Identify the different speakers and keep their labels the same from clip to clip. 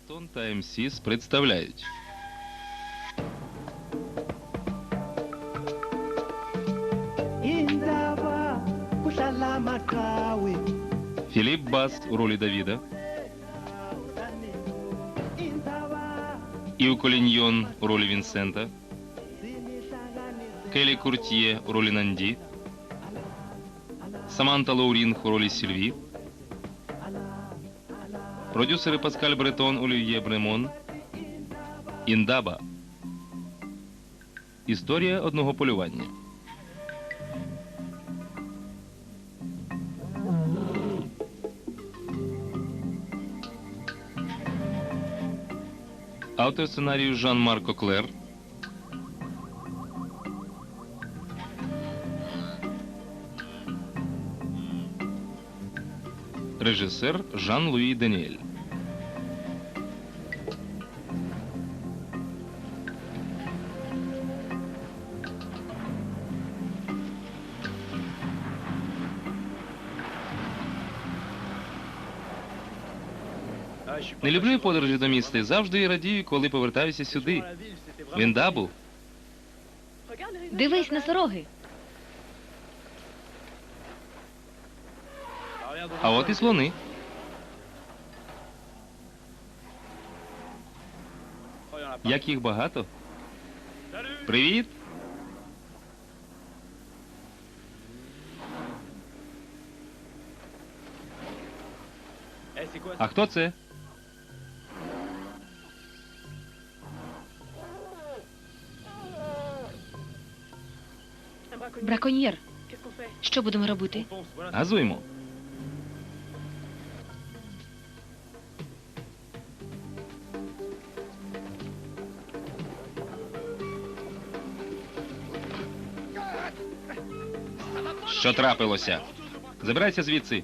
Speaker 1: Бретон та МСіс представляють. Філіп Бас у ролі Давіда. Ів Коліньйон у ролі Вінсента. Келі Куртьє у ролі Нанді. Саманта Лоурінг у ролі Сільві. Продюсери Паскаль Бретон, Олів'є Бремон. Індаба. Історія одного полювання. Автор сценарію Жан-Марк Коклер. Режисер Жан-Луї Даніель. Не люблю подорожі до міста і завжди радію, коли повертаюся сюди. В Індабу.
Speaker 2: Дивись на сороги.
Speaker 1: А от і слони. Як їх багато. Привіт! А хто це?
Speaker 2: Браконьєр. Що будемо робити?
Speaker 1: Газуймо. Що трапилося? Забирайся звідси.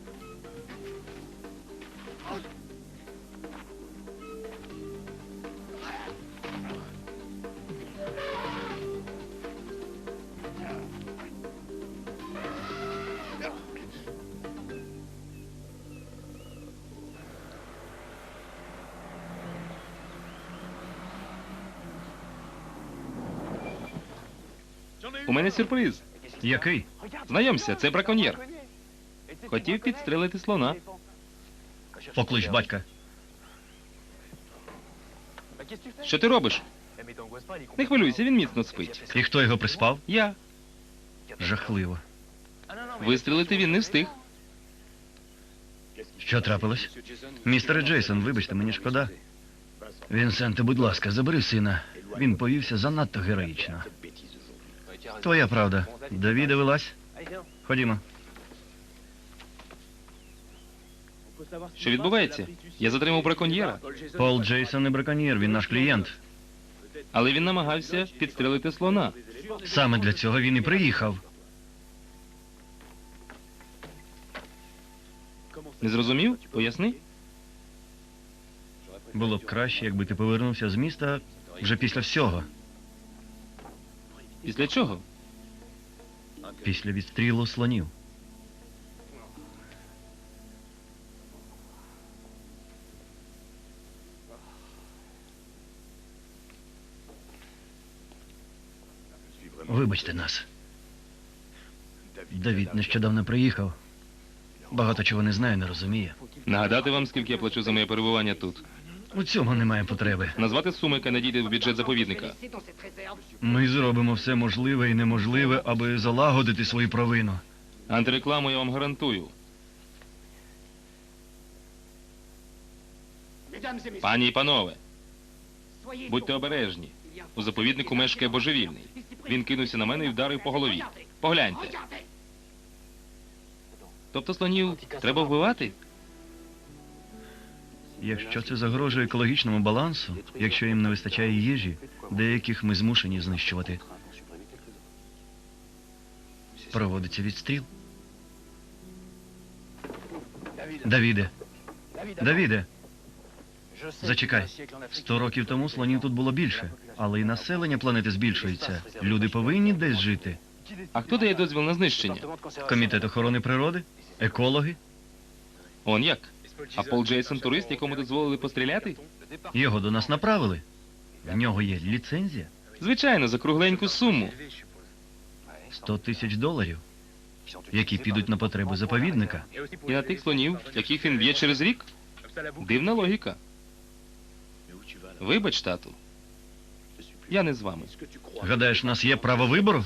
Speaker 1: У мене сюрприз.
Speaker 3: Який?
Speaker 1: Знайомся, це браконьєр. Хотів підстрелити слона.
Speaker 3: Поклич батька.
Speaker 1: Що ти робиш? Не хвилюйся, він міцно спить.
Speaker 3: І хто його приспав?
Speaker 1: Я.
Speaker 3: Жахливо.
Speaker 1: Вистрілити він не встиг.
Speaker 3: Що трапилось? Містере Джейсон, вибачте, мені шкода. Вінсенте, будь ласка, забери сина. Він повівся занадто героїчно. Твоя правда. Давіде, вилазь. Ходімо.
Speaker 1: Що відбувається? Я затримав браконьєра,
Speaker 3: Пол Джейсон не браконьєр, він наш клієнт.
Speaker 1: але він намагався підстрелити слона.
Speaker 3: Саме для цього він і приїхав.
Speaker 1: Не зрозумів? Поясни.
Speaker 3: Було б краще, якби ти повернувся з міста вже після всього.
Speaker 1: Після чого?
Speaker 3: Після відстрілу слонів. Вибачте нас. Давід нещодавно приїхав. Багато чого не знає, не розуміє.
Speaker 1: Нагадати вам, скільки я плачу за моє перебування тут.
Speaker 3: У цьому немає потреби.
Speaker 1: Назвати суми, яка надійде в бюджет заповідника.
Speaker 3: Ми зробимо все можливе і неможливе, аби залагодити свою провину.
Speaker 1: Антирекламу я вам гарантую. Пані і панове, будьте обережні. У заповіднику мешкає божевільний. Він кинувся на мене і вдарив по голові. Погляньте. Тобто слонів треба вбивати?
Speaker 3: Якщо це загрожує екологічному балансу, якщо їм не вистачає їжі, деяких ми змушені знищувати. Проводиться відстріл. Давіде. Давіде. Зачекай. 100 років тому слонів тут було більше, але і населення планети збільшується. Люди повинні десь жити.
Speaker 1: А хто дає дозвіл на знищення?
Speaker 3: Комітет охорони природи? Екологи?
Speaker 1: Он як? А Пол Джейсон турист, якому дозволили постріляти?
Speaker 3: Його до нас направили. В нього є ліцензія.
Speaker 1: Звичайно, за кругленьку суму.
Speaker 3: $100 000, які підуть на потреби заповідника.
Speaker 1: І на тих слонів, яких він б'є через рік? Дивна логіка. Вибач, тату. Я не з вами.
Speaker 3: Гадаєш, у нас є право вибору?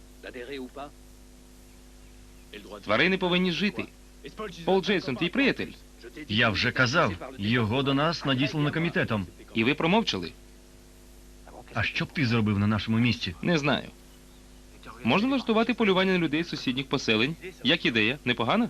Speaker 1: Тварини повинні жити. Пол Джейсон, твій приятель.
Speaker 3: Я вже казав, його до нас надіслано комітетом.
Speaker 1: І ви промовчали?
Speaker 3: А що б ти зробив на нашому місці?
Speaker 1: Не знаю. Можна влаштувати полювання на людей з сусідніх поселень? Як ідея? Непогана?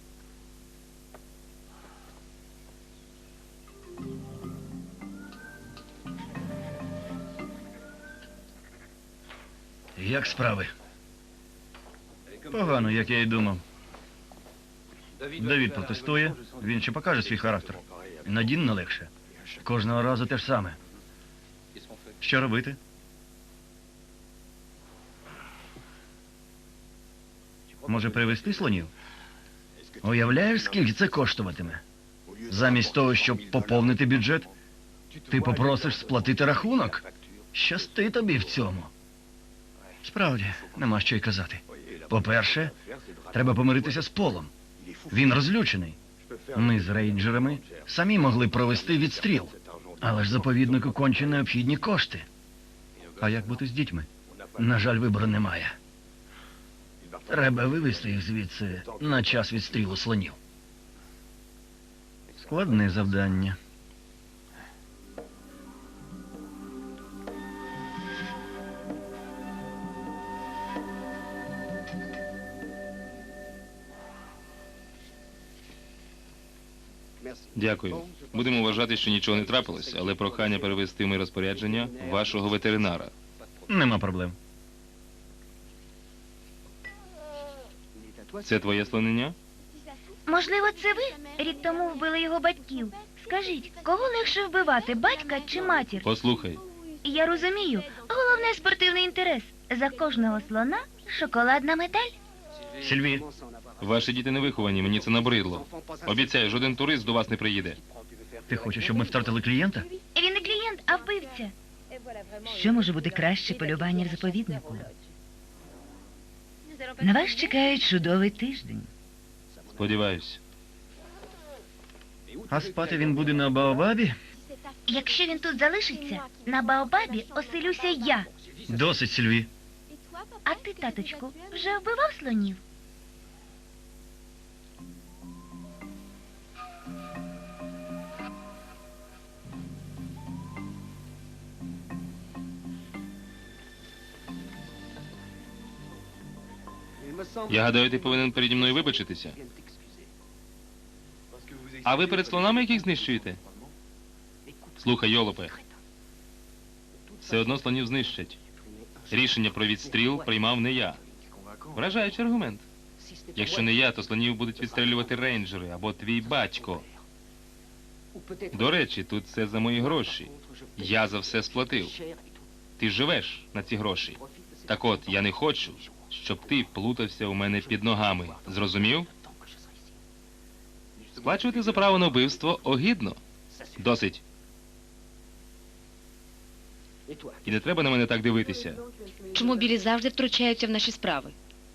Speaker 3: Як справи? Погано, як я й думав. Давід протестує, він ще покаже свій характер. Надін не легше. Кожного разу те ж саме. Що робити? Може, привезти слонів? Уявляєш, скільки це коштуватиме? Замість того, щоб поповнити бюджет, ти попросиш сплатити рахунок? Щасти тобі в цьому. Справді, нема що й казати. По-перше, треба помиритися з Полом. Він розлючений. Ми з рейнджерами самі могли провести відстріл. Але ж заповіднику конче необхідні кошти. А як бути з дітьми? На жаль, вибору немає. Треба вивезти їх звідси на час відстрілу слонів. Складне завдання.
Speaker 1: Дякую. Будемо вважати, що нічого не трапилось, але прохання перевести в моє розпорядження вашого ветеринара.
Speaker 3: Нема проблем.
Speaker 1: Це твоє слонення?
Speaker 4: Можливо, це ви рік тому вбили його батьків. Скажіть, кого легше вбивати, батька чи матір?
Speaker 1: Послухай,
Speaker 4: Я розумію, головне спортивний інтерес. За кожного слона шоколадна медаль.
Speaker 3: Сільві,
Speaker 1: ваші діти не виховані, мені це набридло. Обіцяю, жоден турист до вас не приїде.
Speaker 3: ти хочеш, щоб ми втратили клієнта?
Speaker 4: Він не клієнт, а вбивця.
Speaker 5: Що може бути краще полювання в заповіднику? На вас чекає чудовий тиждень.
Speaker 1: Сподіваюсь.
Speaker 3: А спати він буде на Баобабі?
Speaker 4: Якщо він тут залишиться, на Баобабі оселюся я.
Speaker 3: Досить, Сільві.
Speaker 4: А ти, таточку, вже вбивав слонів?
Speaker 1: Я гадаю, ти повинен переді мною вибачитися. А ви перед слонами яких знищуєте? Слухай, йолопе. Все одно слонів знищать. Рішення про відстріл приймав не я. Вражаючий аргумент. Якщо не я, то слонів будуть відстрілювати рейнджери або твій батько. До речі, тут все за мої гроші. Я за все сплатив. Ти живеш на ці гроші. Так от, я не хочу, щоб ти плутався у мене під ногами. Зрозумів? Сплачувати за право на вбивство огидно. Досить. І не треба на мене так дивитися.
Speaker 2: Чому білі завжди втручаються в наші справи?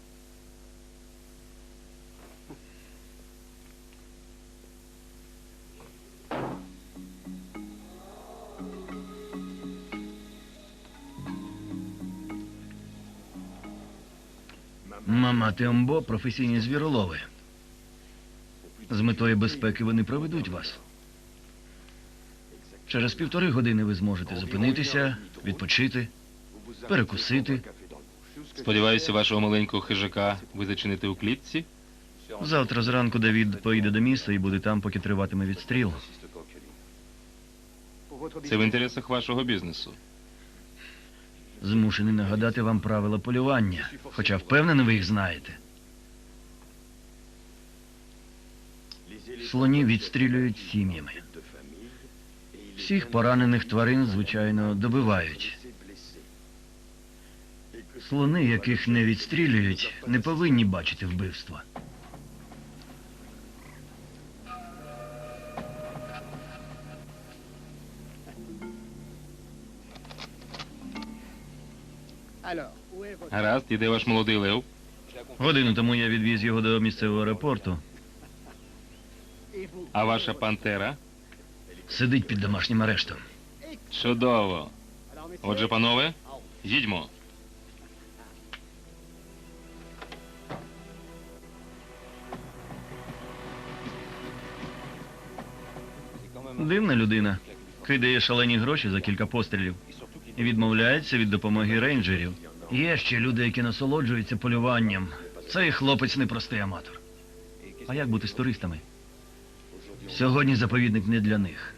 Speaker 3: Мама Тембо – професійні звіролови. З метою безпеки вони проведуть вас. Через 1,5 години ви зможете зупинитися, відпочити, перекусити.
Speaker 1: Сподіваюся, вашого маленького хижака ви зачините у клітці?
Speaker 3: Завтра зранку Давід поїде до міста і буде там, поки триватиме відстріл.
Speaker 1: Це в інтересах вашого бізнесу.
Speaker 3: Змушений нагадати вам правила полювання, хоча впевнений, ви їх знаєте. Слонів відстрілюють сім'ями. Всіх поранених тварин, звичайно, добивають. Слони, яких не відстрілюють, не повинні бачити вбивства.
Speaker 1: Гаразд, і де ваш молодий лев?
Speaker 3: Годину тому я відвіз його до місцевого аеропорту.
Speaker 1: А ваша пантера?
Speaker 3: Сидить під домашнім арештом.
Speaker 1: Чудово. Отже, панове, їдьмо.
Speaker 3: Дивна людина. Кидає шалені гроші за кілька пострілів і відмовляється від допомоги рейнджерів. Є ще люди, які насолоджуються полюванням. Цей хлопець непростий аматор. А як бути з туристами? Сьогодні заповідник не для них.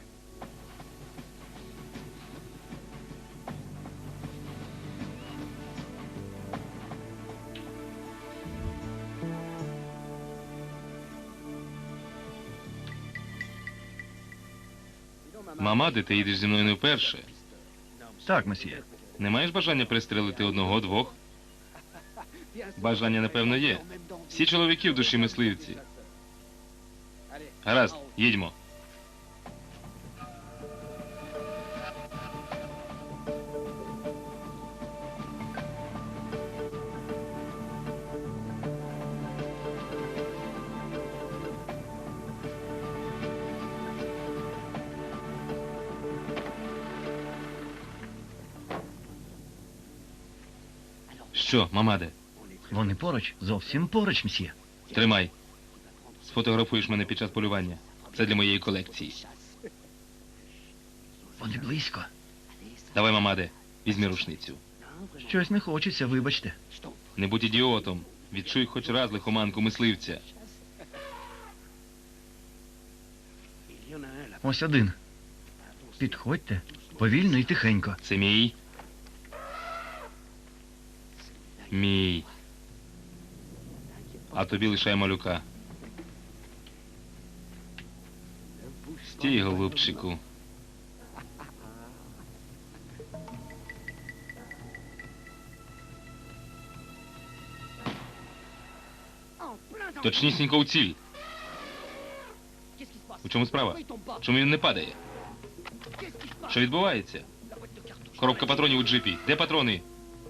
Speaker 1: Мамаде, ти їдеш зі мною не вперше.
Speaker 3: Так, месьє.
Speaker 1: Не маєш бажання пристрелити одного-двох? Бажання, напевно, є. Всі чоловіки в душі мисливці. Гаразд, їдьмо. Що, мамаде?
Speaker 3: Вони поруч, зовсім поруч, месьє.
Speaker 1: Тримай. Сфотографуєш мене під час полювання. Це для моєї колекції.
Speaker 3: Вони близько.
Speaker 1: Давай, мамаде, візьми рушницю.
Speaker 3: Щось не хочеться, вибачте.
Speaker 1: Не будь ідіотом. Відчуй хоч раз лихоманку мисливця.
Speaker 3: Ось один. Підходьте, повільно і тихенько.
Speaker 1: Це мій. Мій. А тобі лишай малюка. Стій, голубчику. Точнісінько у ціль. У чому справа? Чому він не падає? Що відбувається? Коробка патронів у джипі. Де патрони?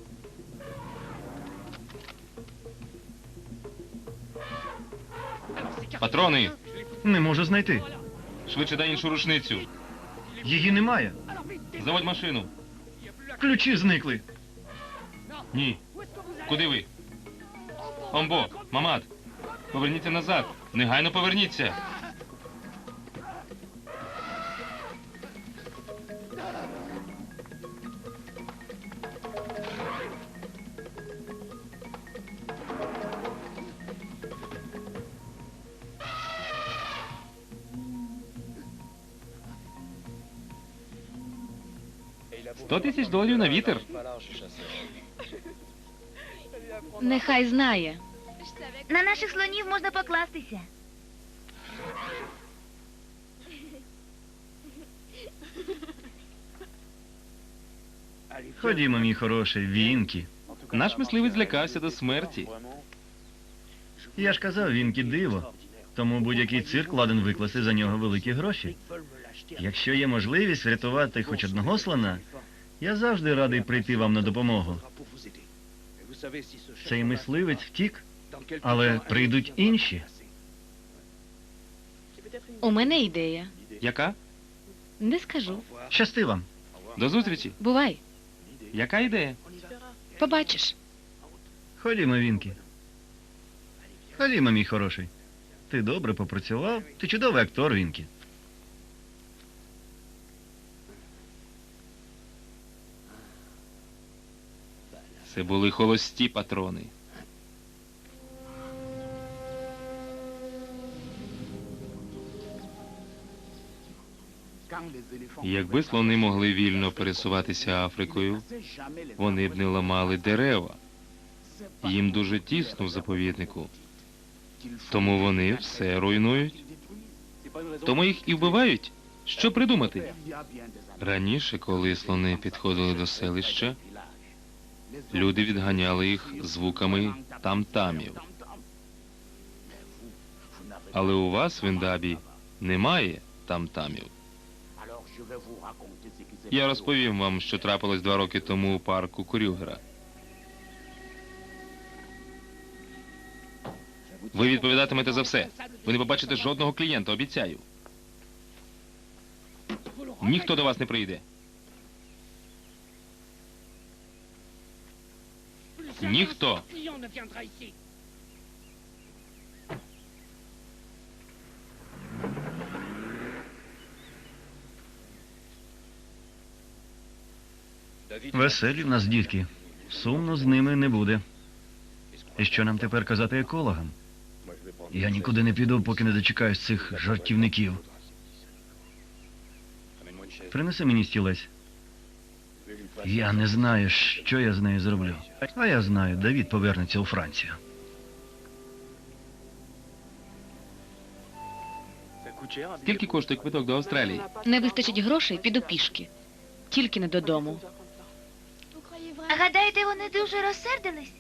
Speaker 1: Патрони!
Speaker 3: Не можу знайти.
Speaker 1: Швидше дай іншу рушницю.
Speaker 3: Її немає.
Speaker 1: Заводь машину.
Speaker 3: Ключі зникли.
Speaker 1: Ні. Куди ви? Омбо, мамат. Поверніться назад. Негайно поверніться. $100 000 на вітер.
Speaker 2: Нехай знає.
Speaker 4: На наших слонів можна покластися.
Speaker 3: Ходімо, мій хороший, Вінкі.
Speaker 1: Наш мисливець злякався до смерті.
Speaker 3: Я ж казав, Вінкі диво. Тому будь-який цирк ладен викласти за нього великі гроші. Якщо є можливість врятувати хоч одного слона, я завжди радий прийти вам на допомогу. Цей мисливець втік, але прийдуть інші.
Speaker 2: У мене ідея.
Speaker 1: Яка?
Speaker 2: Не скажу.
Speaker 3: Щасти вам.
Speaker 1: До зустрічі.
Speaker 2: Бувай.
Speaker 1: Яка ідея?
Speaker 2: Побачиш.
Speaker 3: Ходімо, Вінкі. Ходімо, мій хороший. Ти добре попрацював, ти чудовий актор, Вінкі.
Speaker 1: Це були холості патрони. Якби слони могли вільно пересуватися Африкою, вони б не ламали дерева. Їм дуже тісно в заповіднику. Тому вони все руйнують. Тому їх і вбивають. Що придумати? Раніше, коли слони підходили до селища, люди відганяли їх звуками там-тамів. Але у вас в Індабі немає там-тамів. Я розповім вам, що трапилось 2 роки тому у парку Крюгера. Ви відповідатимете за все. Ви не побачите жодного клієнта, обіцяю. Ніхто до вас не прийде. Ніхто.
Speaker 3: Веселі в нас дітки. Сумно з ними не буде. І що нам тепер казати екологам? Я нікуди не піду, поки не дочекаюсь цих жартівників. Принеси мені стілець. Я не знаю, що я з нею зроблю. А я знаю, Давід повернеться у Францію.
Speaker 1: Скільки коштує квиток до Австралії?
Speaker 2: Не вистачить грошей, піду пішки. Тільки не додому.
Speaker 4: Гадаєте, вони дуже розсердились?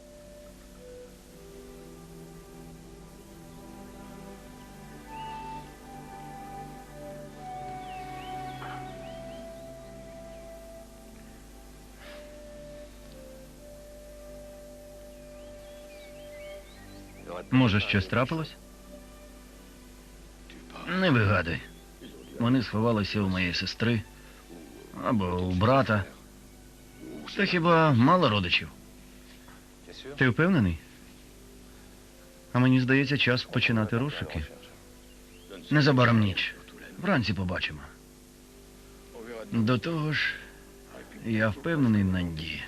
Speaker 3: Може, щось трапилось? Не вигадуй. Вони сховалися у моєї сестри або у брата. Та хіба мало родичів? Ти впевнений? А мені здається, час починати розшуки. Незабаром ніч. Вранці побачимо. До того ж, я впевнений, Нанді.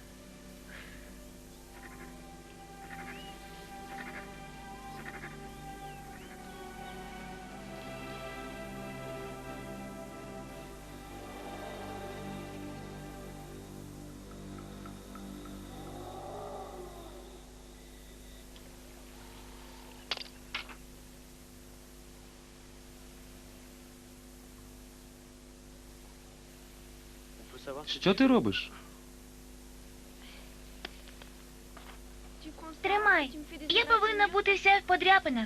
Speaker 1: Що ти робиш?
Speaker 4: Тримай. Я повинна бути вся в подряпинах.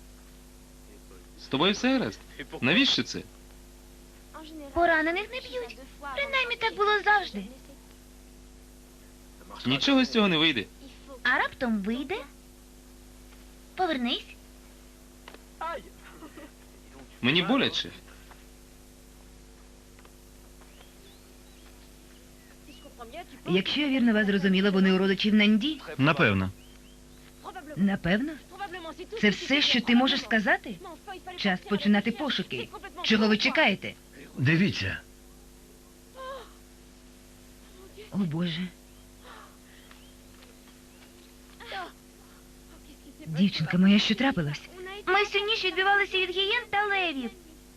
Speaker 1: З тобою все гаразд? Навіщо це?
Speaker 4: Поранених не б'ють. Принаймні так було завжди.
Speaker 1: Нічого з цього не вийде.
Speaker 4: А раптом вийде. Повернись.
Speaker 1: Мені боляче.
Speaker 5: Якщо я вірно вас зрозуміла, вони у родичів Нанді?
Speaker 3: Напевно.
Speaker 5: Напевно. Це все, що ти можеш сказати? Час починати пошуки. Чого ви чекаєте?
Speaker 3: Дивіться.
Speaker 5: О, Боже. Дівчинка моя, що трапилось?
Speaker 4: Ми всю ніч відбивалися від гієн та левів.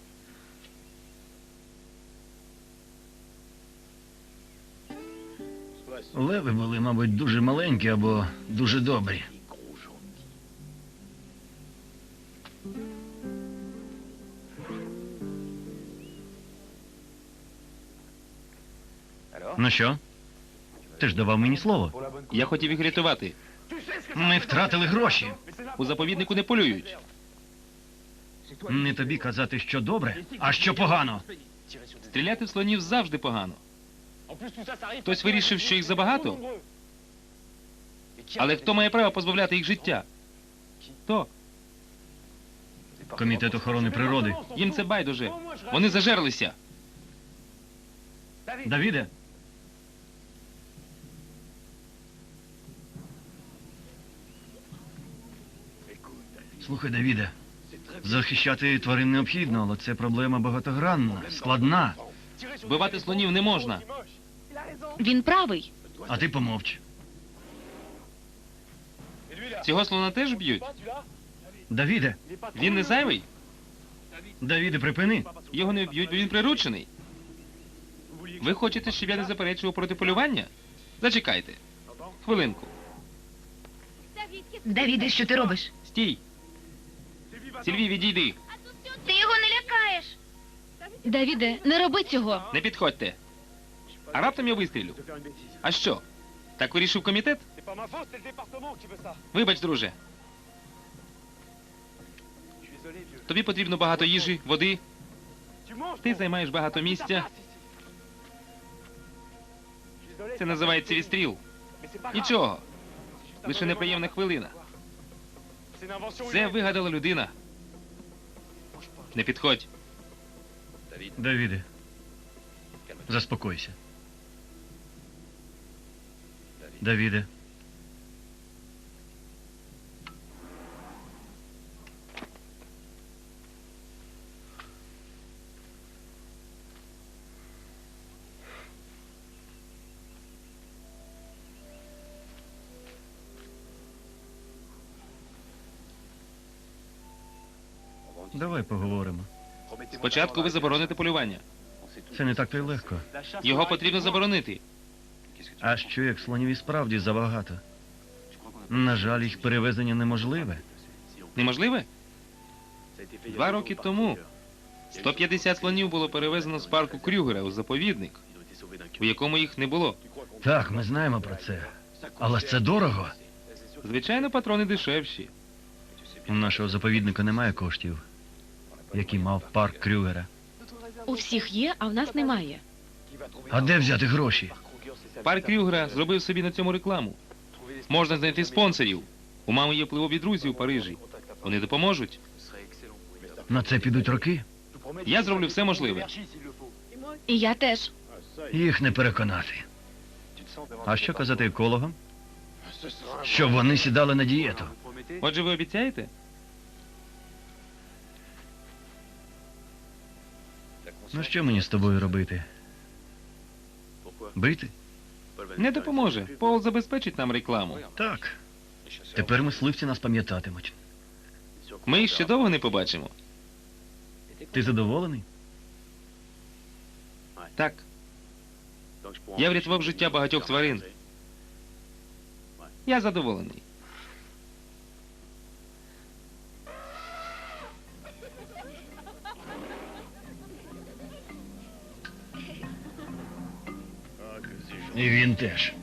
Speaker 3: Леви були, мабуть, дуже маленькі або дуже добрі. Ну що? Ти ж давав мені слово.
Speaker 1: Я хотів їх рятувати.
Speaker 3: Ми втратили гроші.
Speaker 1: У заповіднику не полюють.
Speaker 3: Не тобі казати, що добре, а що погано.
Speaker 1: Стріляти в слонів завжди погано. Хтось вирішив, що їх забагато? Але хто має право позбавляти їх життя? Хто?
Speaker 3: Комітет охорони природи.
Speaker 1: Їм це байдуже. Вони зажерлися.
Speaker 3: Давіде? Слухай, Давіде, захищати тварин необхідно, але це проблема багатогранна, складна.
Speaker 1: Вбивати слонів не можна.
Speaker 2: Він правий.
Speaker 3: А ти помовч.
Speaker 1: Цього слона теж б'ють.
Speaker 3: Давіде,
Speaker 1: Він не зайвий.
Speaker 3: Давіде, припини.
Speaker 1: Його не вб'ють, бо він приручений. Ви хочете, щоб я не заперечував проти полювання? Зачекайте. Хвилинку.
Speaker 5: Давіде, що ти робиш?
Speaker 1: Стій. Сільві, відійди.
Speaker 4: Ти його не лякаєш.
Speaker 2: Давіде, не роби цього.
Speaker 1: Не підходьте. А раптом я вистрілю. А що? Так вирішив комітет? Вибач, друже. Тобі потрібно багато їжі, води. Ти займаєш багато місця. Це називається відстріл. Нічого. Лише неприємна хвилина. Це вигадала людина. Не підходь.
Speaker 3: Давіде, заспокойся. Давіде. Давай поговоримо.
Speaker 1: Спочатку ви забороните полювання.
Speaker 3: Це не так то й легко.
Speaker 1: Його потрібно заборонити.
Speaker 3: А що як слонів і справді забагато? На жаль, їх перевезення неможливе.
Speaker 1: Неможливе? 2 роки тому 150 слонів було перевезено з парку Крюгера у заповідник, у якому їх не було.
Speaker 3: Так, ми знаємо про це. Але ж це дорого.
Speaker 1: Звичайно, патрони дешевші.
Speaker 3: У нашого заповідника немає коштів, які мав парк Крюгера.
Speaker 2: У всіх є, а в нас немає.
Speaker 3: А де взяти гроші?
Speaker 1: Парк Крюгера зробив собі на цьому рекламу. Можна знайти спонсорів. У мами є впливові друзі у Парижі. Вони допоможуть.
Speaker 3: На це підуть роки.
Speaker 1: Я зроблю все можливе.
Speaker 2: І я теж.
Speaker 3: Їх не переконати. А що казати екологам? Щоб вони сідали на дієту.
Speaker 1: Отже, ви обіцяєте?
Speaker 3: Ну що мені з тобою робити? Бити?
Speaker 1: Не допоможе. Пол забезпечить нам рекламу.
Speaker 3: Так. Тепер мисливці нас пам'ятатимуть.
Speaker 1: Ми їх ще довго не побачимо.
Speaker 3: Ти задоволений?
Speaker 1: Так, я врятував життя багатьох тварин. Я задоволений.
Speaker 3: І він теж.